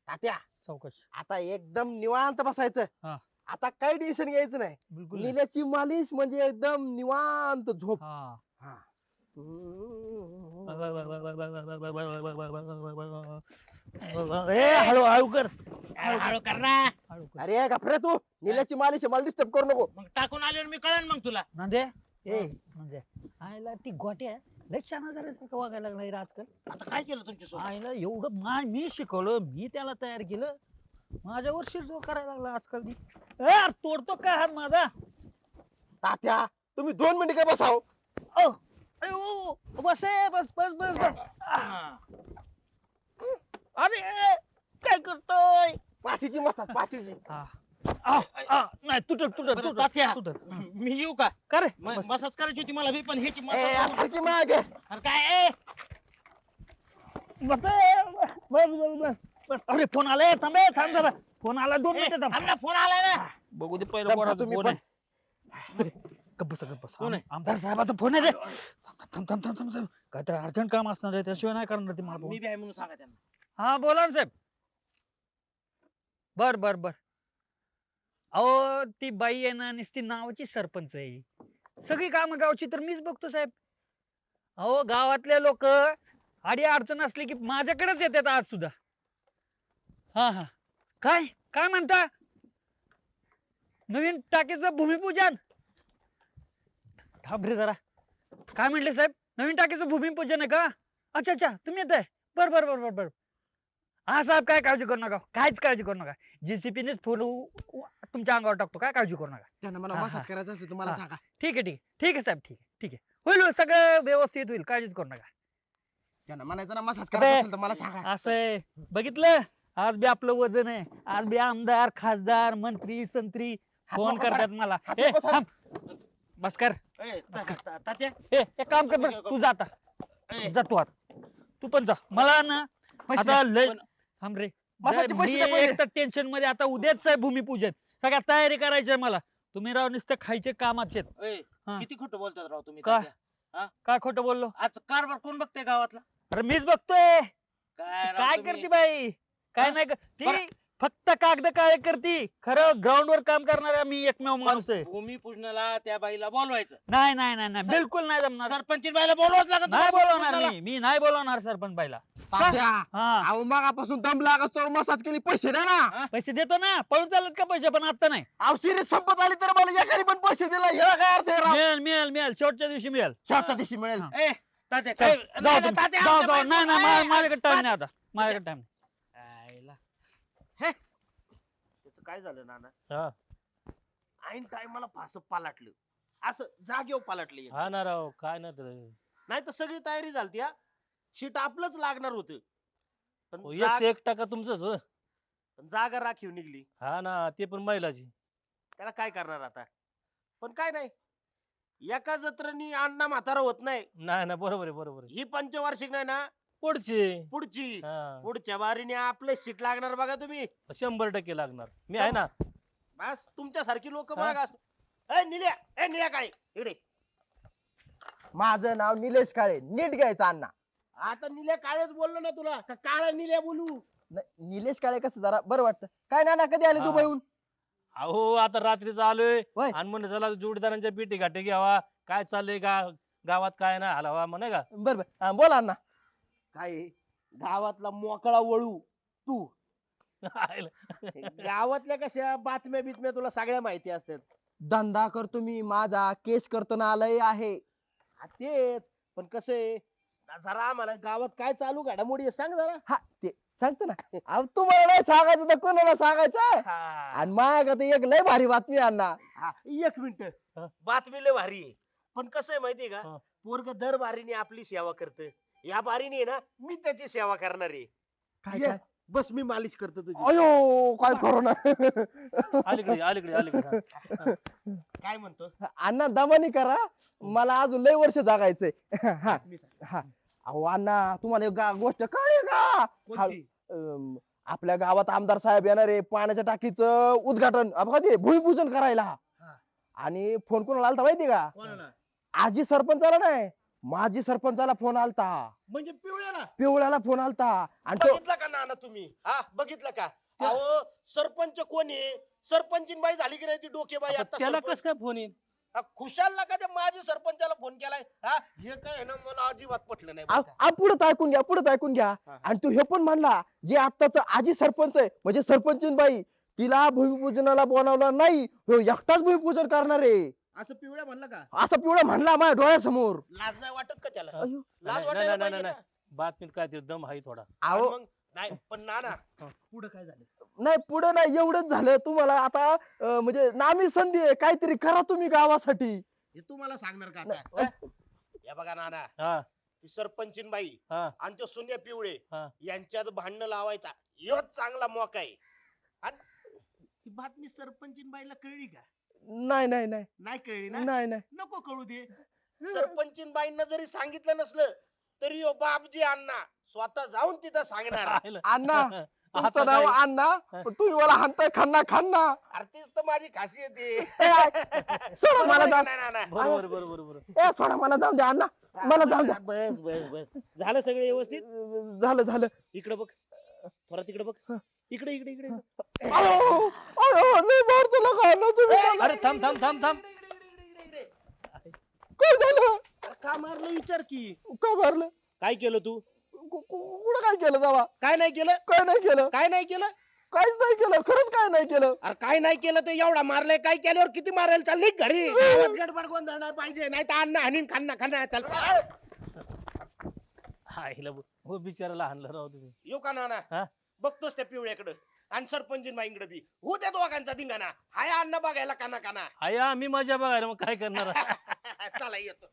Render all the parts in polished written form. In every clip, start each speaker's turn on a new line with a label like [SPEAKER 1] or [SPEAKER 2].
[SPEAKER 1] तात्या
[SPEAKER 2] चौकशी
[SPEAKER 1] आता एकदम निवांत बसायचं.
[SPEAKER 2] हा.
[SPEAKER 1] आता काही टेन्शन घ्यायचं नाही.
[SPEAKER 2] बिलकुल नाही.
[SPEAKER 1] निल्याची मालिश म्हणजे एकदम निवांत झोप.
[SPEAKER 2] हा
[SPEAKER 1] हा.
[SPEAKER 2] ए हळू हळू कर
[SPEAKER 3] हळू कर ना.
[SPEAKER 2] हळू कर
[SPEAKER 1] अरे गप्रे तू निल्याची मालिश आहे, मला डिस्टर्ब करू नको.
[SPEAKER 3] मग टाकून आल्यावर मी कळन मग तुला.
[SPEAKER 2] नांदे ए म्हणजे आईला ती गोट्या लय छान झाल्यासारखं वागायला लागलाय रे आजकाल.
[SPEAKER 3] आता काय केलं तुमच्या
[SPEAKER 2] आईला एवढं मी शिकवलं, मी त्याला तयार केलं, माझ्यावर शिरजोर करायला लागला आजकाल ती. ए यार, तोडतो काय हात माझा.
[SPEAKER 1] तात्या तुम्ही 2 मिनिटं काय बसाव.
[SPEAKER 2] ओ, अयो, बस ए, बस बस बस बस. अरे काय करतोय.
[SPEAKER 1] पाचीची मसाज पाचीची.
[SPEAKER 2] नाही तुटत तुटत
[SPEAKER 3] बरं,
[SPEAKER 2] तुटत
[SPEAKER 3] तात्या.
[SPEAKER 2] तुटत.
[SPEAKER 3] मी येऊ का?
[SPEAKER 2] का रे
[SPEAKER 3] मसाज करायची होती मला बी, पण ह्याची
[SPEAKER 1] ए,
[SPEAKER 3] मसाज
[SPEAKER 1] सारखी माग.
[SPEAKER 3] अरे काय ए?
[SPEAKER 2] बस बस बस बस बस. अरे फोन आलाय, थांब ए, थांब जरा. फोन आला 2 मिनिटं थांब.
[SPEAKER 3] थांब ना, फोन आलाय ना.
[SPEAKER 2] बघू दे पहिलं
[SPEAKER 1] थांब,
[SPEAKER 2] कोणाचा
[SPEAKER 1] तुम्ही
[SPEAKER 2] फोन
[SPEAKER 1] पण.
[SPEAKER 2] आहे. गप्प बस गप्प बस.
[SPEAKER 3] कोण आहे?
[SPEAKER 2] आमदार साहेबाचा फोन आहे रे. थांब थांब थांब थांब थांब. काहीतरी अर्जंट काम असणार आहे, त्याशिवाय नाही करणार ते मला
[SPEAKER 3] मी
[SPEAKER 2] फोन.
[SPEAKER 3] बी आहे म्हणून सांगा त्यांना.
[SPEAKER 2] हा बोला ना साहेब. बर बर बर. अहो ती बाई आहे ना, नुसती नावाची सरपंच आहे. सगळी कामं गावची तर मीच बघतो साहेब. अहो गावातले लोक आडी अडचण असली की माझ्याकडेच येतात आज सुद्धा. हा हा. काय काय म्हणता. नवीन टाकीचं भूमिपूजन. थांब रे जरा. काय म्हटले साहेब, नवीन टाकीचं भूमिपूजन आहे का. अच्छा अच्छा, तुम्ही येत आहे. बर बर बर बर बर. हा साहेब, काय काळजी करू नका, काहीच काळजी करू नका. जेसीपीनेच फुल तुमच्या अंगावर टाकतो, काय काळजी करू नका.
[SPEAKER 1] त्यांना मला
[SPEAKER 2] हा,
[SPEAKER 1] मसाज करायचा असेल तुम्हाला
[SPEAKER 2] हा.
[SPEAKER 1] सांगा.
[SPEAKER 2] ठीक आहे ठीक आहे ठीक आहे साहेब, ठीक आहे ठीक आहे. होईल होईल, सगळं व्यवस्थित होईल, काळजीच करू नका.
[SPEAKER 1] त्यांना म्हणायचं ना मसाज करायचा असेल तर मला सांगा.
[SPEAKER 2] असं आहे, बघितलं, आज बी आपलं वजन आहे. आज बी आमदार खासदार मंत्री संत्री फोन
[SPEAKER 1] नको
[SPEAKER 2] करतात
[SPEAKER 1] करा.
[SPEAKER 2] मला.
[SPEAKER 1] हात
[SPEAKER 2] ए
[SPEAKER 1] नको
[SPEAKER 2] थांब, बस कर.
[SPEAKER 3] ए, तात्या
[SPEAKER 2] ए एक काम कर बरं, तू जा आता.
[SPEAKER 3] ए,
[SPEAKER 2] जा तू आता, तू पण जा. मला ना
[SPEAKER 1] पैसे
[SPEAKER 2] आता
[SPEAKER 1] द्या.
[SPEAKER 2] लय
[SPEAKER 3] पण-
[SPEAKER 2] थांब रे.
[SPEAKER 1] मसाजचे पैसे द्या
[SPEAKER 2] मी
[SPEAKER 1] पहिले.
[SPEAKER 2] एक तर टेन्शन मध्ये, आता उद्याच आहे भूमिपूजन, सगळ्या तयारी करायची आहे मला. तुम्ही राव नुसते खायचे कामाचे.
[SPEAKER 3] ए,
[SPEAKER 2] हा.
[SPEAKER 3] किती खोटं बोलतात राव तुम्ही
[SPEAKER 2] का?
[SPEAKER 3] तात्या.
[SPEAKER 2] काय खोटं बोललो.
[SPEAKER 3] आज कारभार कोण बघते गावातला?
[SPEAKER 2] अरे मीच बघतोय.
[SPEAKER 3] काय राव
[SPEAKER 2] काय
[SPEAKER 3] तुम्ही?
[SPEAKER 2] करते बाई, काय
[SPEAKER 3] हा?
[SPEAKER 2] नाही ती
[SPEAKER 3] बरं.
[SPEAKER 2] फक्त कागद काळे करती. खरं ग्राउंड वर काम करणारा मी एकमेव माणूस आहे.
[SPEAKER 3] भूमिपूजनाला त्या बाईला बोलवायचं.
[SPEAKER 2] नाही नाही नाही नाही,
[SPEAKER 3] सर-
[SPEAKER 2] बिलकुल नाही जमणार.
[SPEAKER 3] सरपंच बाईला बोलवाच लागत
[SPEAKER 2] नाही
[SPEAKER 3] तुम्हाला
[SPEAKER 2] बोलवणार
[SPEAKER 3] भूमिपूजनाला.
[SPEAKER 2] मी नाही बोलवणार सरपंच बाईला.
[SPEAKER 1] तात्या
[SPEAKER 2] हा
[SPEAKER 1] अहो मगापासून दम लागत तो मसाज केली, पैसे द्या ना.
[SPEAKER 2] पैसे देतो ना, पळून चालत का पैसे, पण आता नाही.
[SPEAKER 1] अहो सिरीज संपत आली तर मला एकाने पण पैसे दिला ह्याला काय अर्थ आहे राव.
[SPEAKER 2] मिळेल मिळेल मिळेल, शेवटच्या दिवशी मिळेल.
[SPEAKER 1] शेवटच्या दिवशी मिळेल.
[SPEAKER 2] हा.
[SPEAKER 3] ए, तात्या
[SPEAKER 2] चल,
[SPEAKER 3] काय?
[SPEAKER 2] जाऊ
[SPEAKER 3] नाही,
[SPEAKER 2] तुम्ही.
[SPEAKER 3] तात्या,
[SPEAKER 2] जाऊ
[SPEAKER 3] आमच्या
[SPEAKER 2] जाऊ, नाही
[SPEAKER 3] बायको-
[SPEAKER 2] नाही,
[SPEAKER 3] ए,
[SPEAKER 2] माझ्याकडे टाइम
[SPEAKER 3] तात्या.
[SPEAKER 2] नाही आता, माझ्याकडे टाइम
[SPEAKER 3] आईला. हे, त्याचं काय झालं नाना?
[SPEAKER 2] नाही.
[SPEAKER 3] ऐन टायमाला फास पालटलं, असं जागेवर पालटलं.
[SPEAKER 4] हा ना राव, काय ना तर
[SPEAKER 3] नाही तर सगळी तयारी झाली. हा शीट आपलंच लागणार होत, पण
[SPEAKER 4] 1% तुमचंच हो.
[SPEAKER 3] जागा राखीव निघली.
[SPEAKER 4] हा ना, ते पण महिलाची.
[SPEAKER 3] त्याला काय करणार आता. पण काय नाही, एका जत्रेनी अण्णा म्हातारा होत नाही.
[SPEAKER 4] नाही ना, बरोबर आहे बरोबर आहे.
[SPEAKER 3] ही पंचवार्षिक नाही ना,
[SPEAKER 4] पुढचे
[SPEAKER 3] पुढची
[SPEAKER 4] हा,
[SPEAKER 3] पुढच्या बारीने आपलं शीट लागणार बघा तुम्ही.
[SPEAKER 4] 100% लागणार. मी आहे ना.
[SPEAKER 3] बस तुमच्यासारखी लोक
[SPEAKER 4] हा?
[SPEAKER 3] बघा. ए निल्या काय इकडे.
[SPEAKER 1] माझं नाव निलेश काळे, नीट घ्यायचं अण्णा.
[SPEAKER 3] आता निल्या काळच बोललो ना तुला, का काळा निल्या बोलू.
[SPEAKER 1] नाही, निलेश काळे कसं जरा बरं वाटतं. काय नाना कधी आले
[SPEAKER 4] हा.
[SPEAKER 1] दुबईहून.
[SPEAKER 4] अहो आता रात्रीच आलोय
[SPEAKER 1] होय.
[SPEAKER 4] आणि म्हणलं चला जोडीदारांच्या पेटी घाटे घ्यावा, काय चाललंय गावात काय ना हलावा म्हणे का.
[SPEAKER 1] बरं बरं हा, बोला अण्णा.
[SPEAKER 3] काय आहे? गावातला मोकळा वळू तू. गावातल्या कशा बातम्या बितम्या तुला सगळ्या माहिती असतात.
[SPEAKER 1] धंदा करतो मी माझा, केस करतो ना आलंय आहे.
[SPEAKER 3] हा, तेच. पण कसं आहे, जरा आम्हाला गावात काय चालू घडामोडी आहे सांग जरा.
[SPEAKER 1] हा ते सांगतो ना. अहो तुम्हाला नाही सांगायचं तर कोणाला सांगायचं.
[SPEAKER 3] हा.
[SPEAKER 1] आणि माझ्याकडे एक लय भारी बातमी आहे अण्णा.
[SPEAKER 3] हा, एक मिनिट.
[SPEAKER 4] हा.
[SPEAKER 3] बातमी लय भारी आहे, पण कसं आहे माहितीये का,
[SPEAKER 4] हा.
[SPEAKER 3] पोरग दर बारीने आपली सेवा करत. या बारीने आहे ना, मी त्याची सेवा करणार आहे.
[SPEAKER 1] काय
[SPEAKER 3] ये,
[SPEAKER 1] काय
[SPEAKER 3] बस मी मालिश करतो तुझी.
[SPEAKER 1] अयो काय करू ना.
[SPEAKER 4] अलीकडे अलीकडे अलीकडे हा.
[SPEAKER 3] काय म्हणतो.
[SPEAKER 1] अण्णा दमानी करा, मला अजून लय वर्ष जागायचंय. हा
[SPEAKER 3] बातमी सांग.
[SPEAKER 1] हा. अहो अण्णा तुम्हाला एक गोष्ट कळली का.
[SPEAKER 3] कोणती?
[SPEAKER 1] आपल्या गावात आमदार साहेब येणार आहे पाण्याच्या टाकीचं उद्घाटन कधी भूमिपूजन करायला.
[SPEAKER 3] हा.
[SPEAKER 1] आणि फोन कोणाला आलता माहिती का.
[SPEAKER 3] कोणाला?
[SPEAKER 1] आजी सरपंचाला नाही, माजी सरपंचाला फोन आलता,
[SPEAKER 3] म्हणजे पिवळ्याला
[SPEAKER 1] पिवळ्याला फोन आलता आणि तो
[SPEAKER 3] बघितलं का नाना तुम्ही हा बघितलं का अहो सरपंच कोण आहे सरपंचीन बाई झाली की नाही ती डोकेबाई
[SPEAKER 4] आता
[SPEAKER 3] आता
[SPEAKER 4] त्याला
[SPEAKER 3] सरपंच.
[SPEAKER 4] कस काय फोन येईल
[SPEAKER 3] खुशालला का त्या माझ्या सरपंचाला फोन केलाय हा हे काय आहे ना मला अजिबात पटलं नाही बरं का.
[SPEAKER 1] पुढे ऐकून घ्या, पुढे ऐकून घ्या.
[SPEAKER 3] हा.
[SPEAKER 1] आणि तू हे पण म्हणला जे आत्ताच आजी सरपंच आहे म्हणजे सरपंचीन बाई तिला भूमिपूजनाला बोलावलं नाही, ह्यो एकटाच भूमिपूजन करणार आहे
[SPEAKER 3] असं पिवळ्या म्हणलं का
[SPEAKER 1] असं पिवळा म्हणला माझ्या डोळ्यासमोर.
[SPEAKER 3] लाज नाही वाटत का त्याला
[SPEAKER 1] अयो.
[SPEAKER 3] लाज
[SPEAKER 4] नाही,
[SPEAKER 3] वाटायला
[SPEAKER 4] नाही,
[SPEAKER 3] पाहिजे
[SPEAKER 4] नाही,
[SPEAKER 3] ना.
[SPEAKER 4] बातमीत काय ते दम आहे थोडा
[SPEAKER 3] आणि
[SPEAKER 1] अहो
[SPEAKER 3] मग नाही पण नाना पुढे काय झालं
[SPEAKER 1] नाही पुढे नाही, एवढंच झालं तुम्हाला आता म्हणजे नामी संधी आहे, काहीतरी करा तुम्ही गावासाठी.
[SPEAKER 3] हे तू मला सांगणार का
[SPEAKER 1] नाही.
[SPEAKER 3] आता हा? या बघा नाना
[SPEAKER 4] हा
[SPEAKER 3] ती सरपंचीन बाई
[SPEAKER 4] हा
[SPEAKER 3] आणि ते सुन्या पिवळे
[SPEAKER 4] हा.
[SPEAKER 3] यांच्यात भांडण लावायचा ह्योच चांगला मौका आहे आणि ही बातमी सरपंचीन बाईला कळली का
[SPEAKER 1] नाही नाही नाही
[SPEAKER 3] नाही कळली ना
[SPEAKER 1] नाही नाही
[SPEAKER 3] नको कळू दे सरपंचीन बाईंना जरी सांगितलं नसलं तरी ओ बापजी अण्णा स्वतः जाऊन तिथं सांगणार
[SPEAKER 4] पाहिलं?
[SPEAKER 1] अण्णा
[SPEAKER 4] आता
[SPEAKER 1] तुमचं नाव
[SPEAKER 4] काय?
[SPEAKER 1] अण्णा पण तुम्ही मला हाणताय खन्ना खन्ना.
[SPEAKER 3] अरे तीच तर माझी खासियत आहे
[SPEAKER 1] सोडा मला जाऊ
[SPEAKER 3] नाही, नाही, नाही.
[SPEAKER 4] बरोबर बरोबर बरोबर
[SPEAKER 1] सोडा मला जाऊ द्या अण्णा, मला जाऊ द्या.
[SPEAKER 3] बस बस बस झालं सगळं व्यवस्थित
[SPEAKER 1] झालं झालं.
[SPEAKER 3] इकडे बघ थोडा तिकडे बघ इकडे इकडे इकडे
[SPEAKER 1] अयो, अयो, लय मारतो लगा अण्णा तुम्ही मला.
[SPEAKER 4] अरे थांब थांब थांब थांब
[SPEAKER 1] काय झालं?
[SPEAKER 3] का मारलं विचार की
[SPEAKER 1] का मारलं?
[SPEAKER 3] काय केलं तू
[SPEAKER 1] कुठं काय केलं जावा?
[SPEAKER 3] काय नाही केलं
[SPEAKER 1] काय नाही केलं,
[SPEAKER 3] काय नाही केलं
[SPEAKER 1] काहीच नाही केलं, खरंच काय नाही केलं.
[SPEAKER 3] अरे काय नाही केलं तर एवढा मारलाय काय केल्यावर किती मारायला चालली घरी गावात गडबड गोंधळ नाही पाहिजे नाही तर अन्न हाणीन खान्ना खान्ना चाल
[SPEAKER 4] हा हिला हो बिचाराला हाणलं राव तुम्ही
[SPEAKER 3] येऊ का नाना
[SPEAKER 4] हा?
[SPEAKER 3] बघतोस त्या पिवळ्याकडं आणि सरपंचीन बाईंकडे बी हो त्या दोघांचा धिंगाणा हाय अन्न बघायला काना काना
[SPEAKER 4] आया मी मजा बघायला मग काय करणार
[SPEAKER 3] चला येतो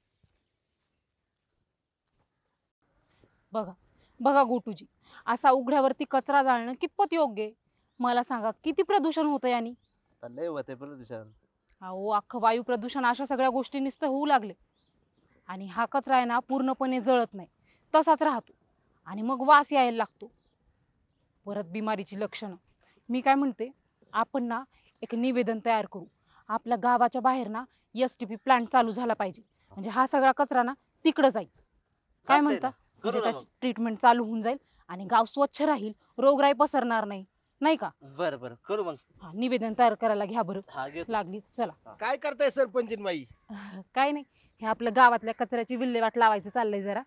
[SPEAKER 5] बघा बघा गोटूजी, असा उघड्यावरती कचरा जाळणं कितपत योग्य आहे? मला सांगा किती प्रदूषण होतं यानी?
[SPEAKER 6] लय होते प्रदूषण.
[SPEAKER 5] अहो अख्खं वायू प्रदूषण अशा सगळ्या गोष्टी नुसतं होऊ लागले. आणि हा कचरा आहे ना पूर्णपणे जळत नाही, तसाच राहतो आणि मग वास यायला लागतो. परत बिमारीची लक्षणं. मी काय म्हणते, आपण ना एक निवेदन तयार करू. आपल्या गावाच्या बाहेर ना STP प्लांट चालू झाला पाहिजे, म्हणजे हा सगळा कचरा ना तिकडं जाईल. काय
[SPEAKER 6] चालतंय
[SPEAKER 5] म्हणता?
[SPEAKER 6] ना. करू
[SPEAKER 5] म्हणजे
[SPEAKER 6] ना
[SPEAKER 5] त्याची ट्रीटमेंट चालू होऊन जाईल आणि गाव स्वच्छ राहील, रोगराई पसरणार नाही, नाही का?
[SPEAKER 6] बर बर करू मग.
[SPEAKER 5] हा, निवेदन तयार करायला घ्या बरं.
[SPEAKER 6] हा घेतो.
[SPEAKER 5] लागली चला.
[SPEAKER 3] काय करताय सरपंचीन बाई
[SPEAKER 5] काय नाही, हे आपल्या गावातल्या कचऱ्याची विल्हेवाट लावायचं चाललंय जरा.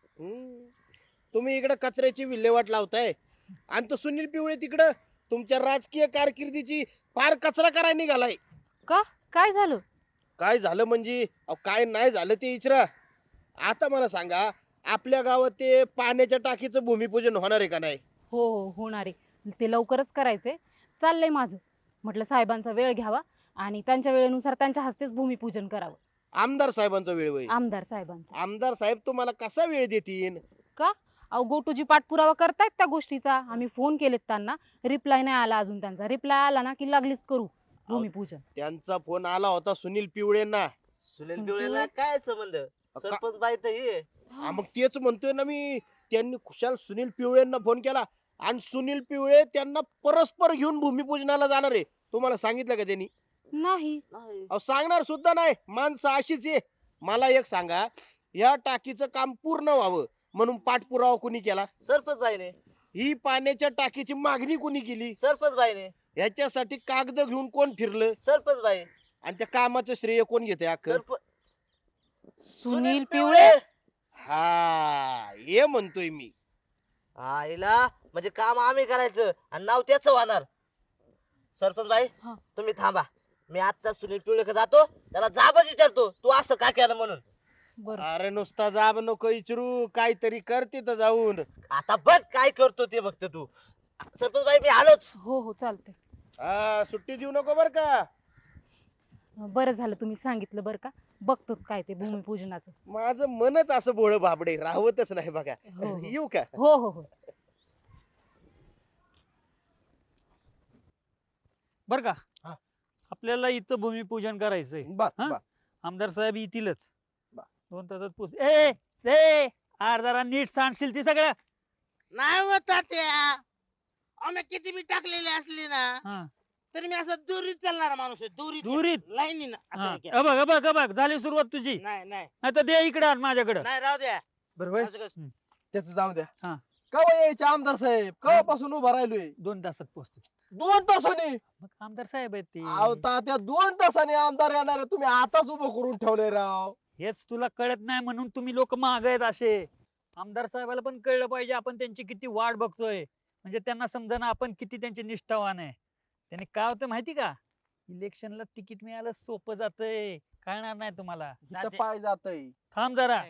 [SPEAKER 3] तुम्ही इकडे कचऱ्याची विल्हेवाट लावताय आणि तो सुनील पिवळे तिकडं तुमच्या राजकीय कारकिर्दीची फार कचरा करायला निघालाय
[SPEAKER 5] का? काय झालं?
[SPEAKER 3] काय झालं म्हणजे अहो, काय नाही झालं ते इचरा आता मला सांगा आपल्या गावात ते पाण्याच्या टाकीचं भूमिपूजन होणार आहे का नाही
[SPEAKER 5] हो हो होणार आहे, ते लवकरच करायचंय. चाललंय माझं. म्हटलं साहेबांचा वेळ घ्यावा आणि त्यांच्या वेळेनुसार त्यांच्या हस्तेच भूमिपूजन करावं.
[SPEAKER 3] आमदार साहेबांचा वेळ होईल
[SPEAKER 5] आमदार साहेबांचा.
[SPEAKER 3] आमदार साहेब तुम्हाला कसा वेळ देतील
[SPEAKER 5] का? अहो गोटूजी पाठपुरावा करतायत त्या गोष्टीचा. आम्ही फोन केलेत त्यांना, रिप्लाय नाही आला अजून त्यांचा. रिप्लाय आला ना की लागलीच करू भूमिपूजन.
[SPEAKER 3] त्यांचा फोन आला होता सुनील पिवळेंना
[SPEAKER 6] सुनील पिवळेला काय संबंध? सरपंच बाई तर ही
[SPEAKER 3] मग तेच म्हणतोय ना मी त्यांनी खुशाल सुनील पिवळेंना फोन केला आणि सुनील पिवळे त्यांना परस्पर घेऊन भूमिपूजनाला जाणार आहे तुम्हाला सांगितलं का त्यांनी
[SPEAKER 5] नाही.
[SPEAKER 6] नाही.
[SPEAKER 3] अहो सांगणार सुद्धा नाही माणसं अशीच आहे मला एक सांगा या टाकीचं काम पूर्ण व्हावं म्हणून पाठपुरावा कुणी केला
[SPEAKER 6] सरपंच बाईने
[SPEAKER 3] ही पाण्याच्या टाकीची मागणी कुणी केली
[SPEAKER 6] सरपंच बाईने
[SPEAKER 3] ह्याच्यासाठी कागद घेऊन कोण फिरलं
[SPEAKER 6] सरपंच बाई
[SPEAKER 3] आणि त्या कामाचं श्रेय कोण घेते अख्खं
[SPEAKER 5] सुनील पिवळे.
[SPEAKER 3] हा हे म्हणतोय मी
[SPEAKER 6] आईला म्हणजे काम आम्ही करायचं आणि नाव त्याच होणार. सरपंच बाई
[SPEAKER 5] हा.
[SPEAKER 6] तुम्ही थांबा, मी आता सुनील पिवळेकडे जातो, त्याला जाबच विचारतो तू असं का केलं म्हणून.
[SPEAKER 5] बरं.
[SPEAKER 3] अरे नुसता जाब नको विचारू काहीतरी कर तिथं जाऊन
[SPEAKER 6] आता बघ काय करतो ते बघतो तू. सरपंच बाई मी आलोच.
[SPEAKER 5] हो हो चालतंय.
[SPEAKER 3] हा सुट्टी देऊ नको बर का
[SPEAKER 5] बरं झालं तुम्ही सांगितलं बरं का. बघतो काय ते भूमिपूजनाचं.
[SPEAKER 3] माझं मनच असं भोळ भाबडे राहवतच नाही बघा
[SPEAKER 5] हो, हो.
[SPEAKER 3] येऊ का
[SPEAKER 5] हो हो हो.
[SPEAKER 2] बर का?
[SPEAKER 3] हा.
[SPEAKER 2] आपल्याला इथं भूमिपूजन करायचंय.
[SPEAKER 1] बस
[SPEAKER 2] हा?
[SPEAKER 1] बस.
[SPEAKER 2] आमदार साहेब येतीलच.
[SPEAKER 1] बा.
[SPEAKER 2] 2 तासात पोच. ए ए आर जरा नीट सांगशील ती सगळं.
[SPEAKER 7] नाही होत त्या आम्ही किती बी टाकलेली असली ना
[SPEAKER 2] हा
[SPEAKER 7] तरी मी असं दुरीत चालणारा माणूस आहे दुरीत
[SPEAKER 2] दुरीत?
[SPEAKER 7] लाईनीनं
[SPEAKER 2] हा.
[SPEAKER 7] असं घ्या.
[SPEAKER 2] बघ झाली सुरुवात तुझी.
[SPEAKER 7] नाही नाही
[SPEAKER 2] नाही तर दे इकडे माझ्याकडे.
[SPEAKER 7] नाही राहू द्या
[SPEAKER 1] बरं होय
[SPEAKER 7] असं कसं?
[SPEAKER 1] त्याचं जाऊ द्या
[SPEAKER 2] हा.
[SPEAKER 1] कवा यायचे आमदार साहेब कवापासून उभा राहिलोय
[SPEAKER 2] 2 तासात पोहोचतो.
[SPEAKER 1] 2 तासांनी
[SPEAKER 2] मग आमदार साहेब आहेत ते.
[SPEAKER 1] अहो तात्या 2 तासांनी आमदार येणार आहे, तुम्ही आताच उभं करून ठेवलंय राव.
[SPEAKER 2] हेच तुला कळत नाही म्हणून तुम्ही लोक माग आहेत असे. आमदार साहेबाला पण कळलं पाहिजे आपण त्यांची किती वाट बघतोय. म्हणजे त्यांना समजा आपण किती त्यांचे निष्ठावान आहे. त्यांनी काय होतं माहिती का, इलेक्शनला तिकीट मिळालं सोपं जातंय, कळणार नाही तुम्हाला.
[SPEAKER 1] इथं पाय जातय
[SPEAKER 2] थांब जरा.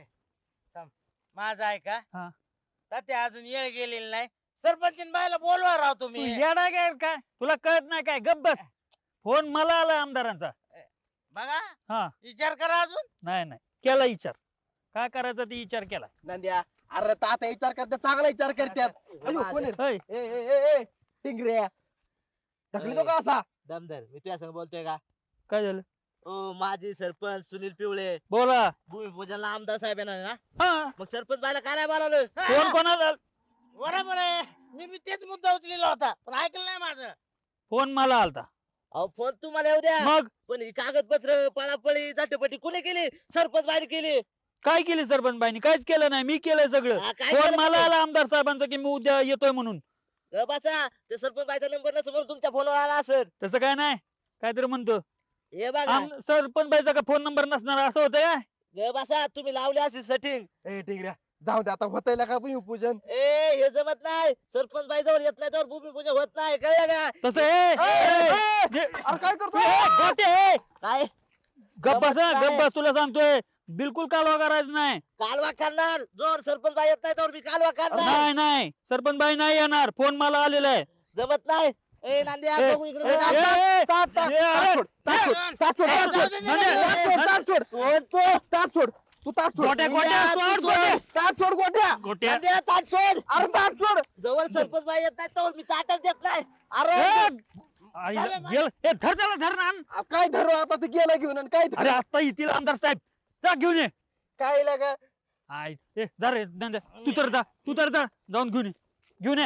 [SPEAKER 7] माझं आहे का
[SPEAKER 2] हा.
[SPEAKER 7] ते अजून येळ गेलेली नाही सरपंच बायला बोलवा राव
[SPEAKER 2] तू
[SPEAKER 7] तुम्ही
[SPEAKER 2] येडा काय काय तुला कळत नाही काय, गप बस. फोन मला आला आमदारांचा.
[SPEAKER 7] बघा
[SPEAKER 2] हा.
[SPEAKER 7] विचार करा अजून
[SPEAKER 2] नाही केला विचार, काय करायचा ते विचार केला.
[SPEAKER 1] नंद्या अरे तात्या विचार करतात चांगला विचार करतात. अयो कोण आहे?
[SPEAKER 2] होय.
[SPEAKER 1] ए, ए, ए, ए, टिंगऱ्या ढकली तो का असा
[SPEAKER 6] दमदार मी तुझ्या संग बोलतोय का
[SPEAKER 2] काय झालं?
[SPEAKER 6] ओ माजी सरपंच सुनील पिवळे
[SPEAKER 2] बोला.
[SPEAKER 6] भूमिपूजनला आमदार साहेब येणार ना
[SPEAKER 2] हा.
[SPEAKER 6] मग सरपंच बायला काय नाही बोलावलं
[SPEAKER 2] फोन कोणाला?
[SPEAKER 7] बरोबर आहे मी तेच मुद्दा उचलेला होता पण ऐकलं नाही माझं
[SPEAKER 2] फोन मला आलता.
[SPEAKER 6] अहो फोन तुम्हाला येऊ द्या
[SPEAKER 2] मग
[SPEAKER 6] पण ही कागदपत्र पळापळी जाटपटी कुणी केली सरपंच बाहेर केली
[SPEAKER 2] काय केली सरपंच बाईनी? काहीच केलं नाही, मी केलंय सगळं.
[SPEAKER 6] हा, काय
[SPEAKER 2] फोन
[SPEAKER 6] केलं
[SPEAKER 2] मला
[SPEAKER 6] तुम्ही?
[SPEAKER 2] आला आमदार साहेबांचा की मी उद्या येतोय म्हणून.
[SPEAKER 6] बसा ते सरपंच बाईचा नंबर नसेल म्हणून तुमच्या फोनवर आला असेल
[SPEAKER 2] तसं काय नाही, काहीतरी म्हणतो.
[SPEAKER 6] हे बघा
[SPEAKER 2] सरपंच बाईचा का फोन नंबर नसणार असं होतं का?
[SPEAKER 6] बसा तुम्ही लावले असेल सेटिंग
[SPEAKER 1] ए टिंगऱ्या जाऊ दे आता होतंय का भूमिपूजन.
[SPEAKER 6] ए हे जमत नाही सरपंच बाई जवळ येत नाही तर भूमिपूजन होत नाही कळलं का
[SPEAKER 2] तसं
[SPEAKER 1] अरे काय करतो
[SPEAKER 6] काय
[SPEAKER 2] गप्प बस
[SPEAKER 6] काय?
[SPEAKER 2] गप्प बस, तुला सांगतोय बिलकुल कालवा करायचं नाही.
[SPEAKER 6] कालवा करणार जोर सरपंच बाई येत नाही तर मी कालवा करणार
[SPEAKER 2] नाही सरपंच बाई नाही येणार, फोन मला आलेला आहे.
[SPEAKER 6] जमत नाही ए नांद्या
[SPEAKER 2] ए,
[SPEAKER 6] बघू इकडे
[SPEAKER 2] ए,
[SPEAKER 6] जरा.
[SPEAKER 2] ए,
[SPEAKER 1] ताट, ताट,
[SPEAKER 2] ए, अरे,
[SPEAKER 1] ताट सोड, ताट सोड, ताट सोड, ताट सोड, ताट सोड, तू ताट सोड.
[SPEAKER 2] गोट्या, गोट्या, सोड, गोट्या.
[SPEAKER 1] ताट सोड गोट्या.
[SPEAKER 2] गोट्या.
[SPEAKER 6] नांद्या ताट सोड
[SPEAKER 1] अरे ताट सोड.
[SPEAKER 6] जवळ सरपंच बाई येत नाही तर मी ताटच देत नाही
[SPEAKER 1] अरे
[SPEAKER 2] आईला गेलं. ए, धर त्याला, धर ना आण.
[SPEAKER 1] काय धरू आता ते गेला घेऊन आणि काय
[SPEAKER 2] अरे आता येतील आमदार साहेब, जा घेऊन ये.
[SPEAKER 1] काय लागा
[SPEAKER 2] आय ए जा रे नंद्या, तू तर जा जाऊन घेऊन ये.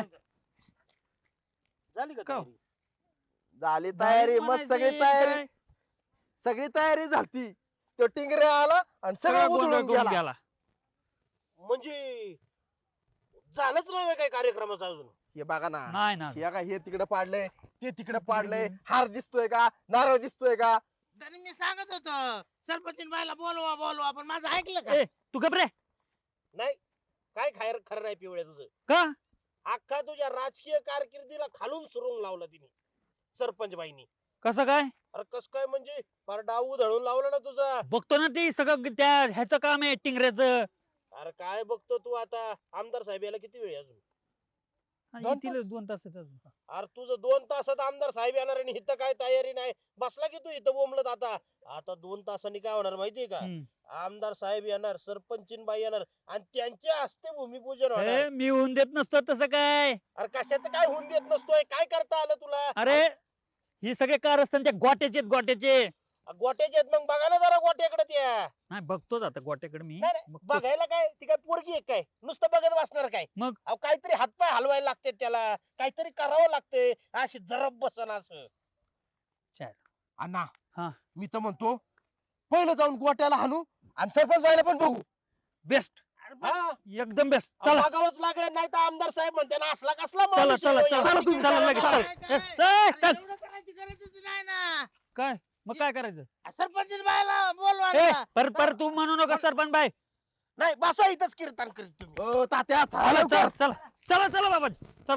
[SPEAKER 3] झाली का
[SPEAKER 2] का?
[SPEAKER 3] तयारी?
[SPEAKER 1] झाली तयारी मग
[SPEAKER 2] म्हणायची
[SPEAKER 1] सगळी तयारी
[SPEAKER 2] काय?
[SPEAKER 1] सगळी तयारी झाली. तो टिंगरे आला आणि
[SPEAKER 2] सगळा
[SPEAKER 1] सगळं
[SPEAKER 2] गोंधळ
[SPEAKER 1] उधळून
[SPEAKER 2] करून
[SPEAKER 1] गेला.
[SPEAKER 2] गेला.
[SPEAKER 3] म्हणजे झालंच नाही काय कार्यक्रमाचं अजून
[SPEAKER 1] हे बघा ना
[SPEAKER 2] नाही ना.
[SPEAKER 1] हे काय हे तिकडे पाडलंय ते तिकडे पाडलंय, हार दिसतोय का नारळ दिसतोय का.
[SPEAKER 7] तरी मी सांगत होतो सरपंच बायला बोलवा पण माझं ऐकलं का
[SPEAKER 2] ए तू घबरे
[SPEAKER 3] नाही काय खायर खरं नाही पिवळ्या तुझं.
[SPEAKER 2] का?
[SPEAKER 3] अख्खा तुझ्या राजकीय कारकिर्दीला खालून सुरुंग लावला तिने सरपंच बाईनी.
[SPEAKER 2] कसं काय?
[SPEAKER 3] अरे कस काय म्हणजे फार डाव उधळून लावला ना तुझा.
[SPEAKER 2] बघतो ना ते सगळं त्या ह्याचं काम आहे टिंगऱ्याचं.
[SPEAKER 3] अरे काय बघतो तू आता आमदार साहेब याला किती वेळ आहे अजून.
[SPEAKER 2] येतील 2 तासात.
[SPEAKER 3] अरे तुझं 2 तासात आमदार साहेब येणार आणि इथं काय तयारी नाही. बसला की तू इथं बोंबलत आता 2 तासांनी काय होणार माहितीये का, आमदार साहेब येणार सरपंचीन बाई येणार आणि त्यांच्या हस्ते भूमिपूजन होणार.
[SPEAKER 2] मी होऊन देत नसतो तसं काय.
[SPEAKER 3] अरे कशाचं काय होऊन देत नसतोय, काय करता आलं तुला.
[SPEAKER 2] अरे ही सगळे कारस्थान त्या गोट्याचे.
[SPEAKER 3] गोट्याचे आहेत मग बघा ना जरा गोट्याकडे त्या.
[SPEAKER 2] नाही बघतोच आता गोट्याकडे मी.
[SPEAKER 3] नाही, नाही,
[SPEAKER 2] बघतोच.
[SPEAKER 3] बघायला काय ती काय पोरगी आहे काय नुसतं बघत बसणार काय.
[SPEAKER 2] मग?
[SPEAKER 3] अहो काहीतरी हातपाय हलवायला लागते त्याला, काहीतरी करावं लागते. अशी जरब बसन असं.
[SPEAKER 1] अण्णा
[SPEAKER 2] हा.
[SPEAKER 1] मी तर म्हणतो पहिलं जाऊन गोट्याला हाणू आणि सरपंच बाईला पण बघू.
[SPEAKER 2] बेस्ट,
[SPEAKER 3] हा,
[SPEAKER 2] एकदम बेस्ट. चला
[SPEAKER 3] बघावंच लागेल नाही तर आमदार साहेब म्हणते ना असला कसला
[SPEAKER 2] चला
[SPEAKER 3] माणूस
[SPEAKER 2] चला
[SPEAKER 3] आहे,
[SPEAKER 2] चला
[SPEAKER 3] याला तिकीट
[SPEAKER 2] चला लगेच
[SPEAKER 3] द्यायला
[SPEAKER 2] चल.
[SPEAKER 3] काय?
[SPEAKER 2] चल.
[SPEAKER 7] एवढं करायची गरजच नाही ना
[SPEAKER 2] काय मग काय करायचं?
[SPEAKER 7] सरपंच बायला बोलवा
[SPEAKER 2] ए
[SPEAKER 7] ना.
[SPEAKER 2] पर तू म्हणू नका सरपंच बाई.
[SPEAKER 3] नाही बसा इथंच कीर्तन करीत तुम्ही.
[SPEAKER 1] ओ तात्या
[SPEAKER 2] चला
[SPEAKER 1] चला
[SPEAKER 2] चला चला चला बाबा चल.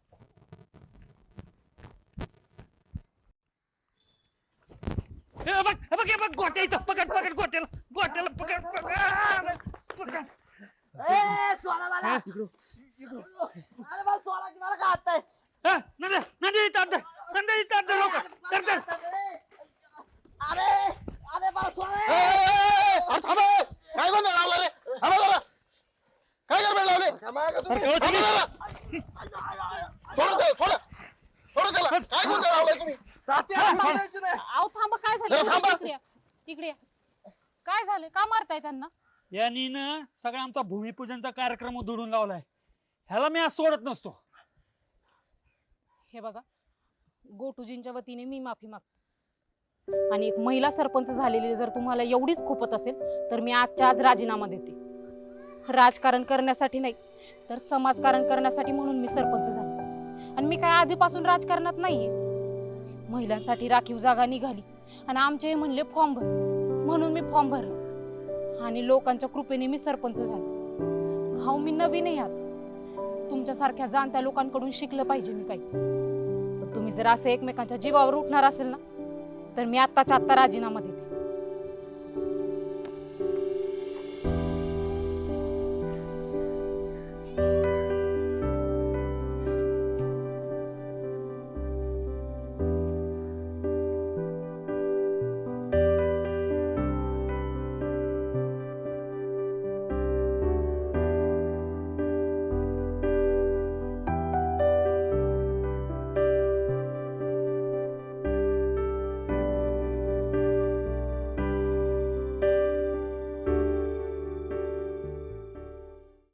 [SPEAKER 2] बघ गोट्या इथं पकड गोट्याला पकड.
[SPEAKER 6] ए सोडा मला अरे मला सोडा की मला काय हात
[SPEAKER 2] नंदी इथं लवकर.
[SPEAKER 6] अरे अरे मला सोडा
[SPEAKER 3] अरे थांबा. काय गोंधळ लावला रे. थांबा जरा. काय गडबड लावले. थांबा जरा. सोडा त्याला, सोडा त्याला. काय गोंधळ लावलाय तुम्ही.
[SPEAKER 5] अहो थांबा काय
[SPEAKER 3] ए,
[SPEAKER 5] झालं
[SPEAKER 3] थांबा.
[SPEAKER 5] इकडे या. काय झालं का मारताय त्यांना
[SPEAKER 2] यांनी ना सगळा आमचा भूमिपूजनचा कार्यक्रम उधळून लावलाय. ह्याला मी आज सोडत नसतो.
[SPEAKER 5] हे बघा गोटूजींच्या वतीने मी माफी मागते आणि एक महिला सरपंच झालेली जर तुम्हाला एवढीच खूपत असेल तर मी आजच्या आज राजीनामा देते. राजकारण करण्यासाठी नाही तर समाजकारण करण्यासाठी म्हणून मी सरपंच झाले. आणि मी काय आधीपासून राजकारणात नाहीये. महिलांसाठी राखीव जागा निघाली आणि आमचे म्हणले फॉर्म भर म्हणून मी फॉर्म भरला आणि लोकांच्या कृपेने मी सरपंच झाले. हा मी नवीन आहे यात. तुमच्यासारख्या जाणत्या लोकांकडून शिकलं पाहिजे मी काही. पण तुम्ही जर असं एकमेकांच्या जीवावर उठणार असेल ना तर मी आत्ताच्या आत्ता राजीनामा देते.